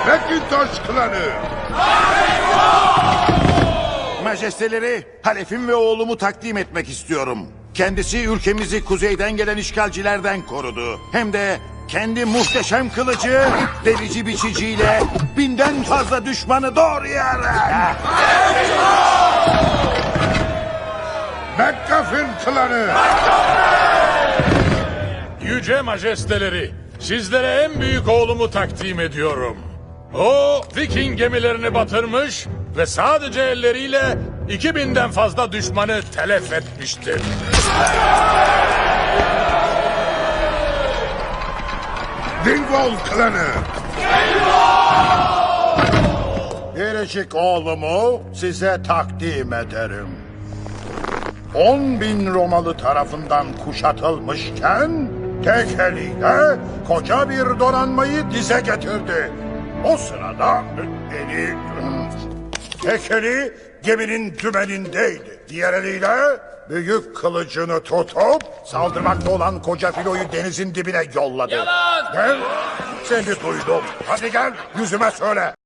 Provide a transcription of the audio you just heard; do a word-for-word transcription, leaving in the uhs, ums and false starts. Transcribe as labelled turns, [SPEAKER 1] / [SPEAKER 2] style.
[SPEAKER 1] Macintosh klanı.
[SPEAKER 2] Majesteleri, halefim ve oğlumu takdim etmek istiyorum. Kendisi ülkemizi kuzeyden gelen işgalcilerden korudu. Hem de kendi muhteşem kılıcı, delici biçiciyle binden fazla düşmanı doğrayarak.
[SPEAKER 1] McGuffin klanı.
[SPEAKER 3] Yüce majesteleri, sizlere en büyük oğlumu takdim ediyorum. O, Viking gemilerini batırmış ve sadece elleriyle iki binden fazla düşmanı telef etmiştir.
[SPEAKER 1] Dingwall klanı.
[SPEAKER 4] Biricik oğlumu size takdim ederim. On bin Romalı tarafından kuşatılmışken tek eliyle koca bir donanmayı dize getirdi. O sırada eli tek eli geminin dümenindeydi. Diğer eliyle büyük kılıcını tutup saldırmakta olan koca filoyu denizin dibine yolladı.
[SPEAKER 3] Yalan!
[SPEAKER 4] Ben seni duydum. Hadi gel yüzüme söyle.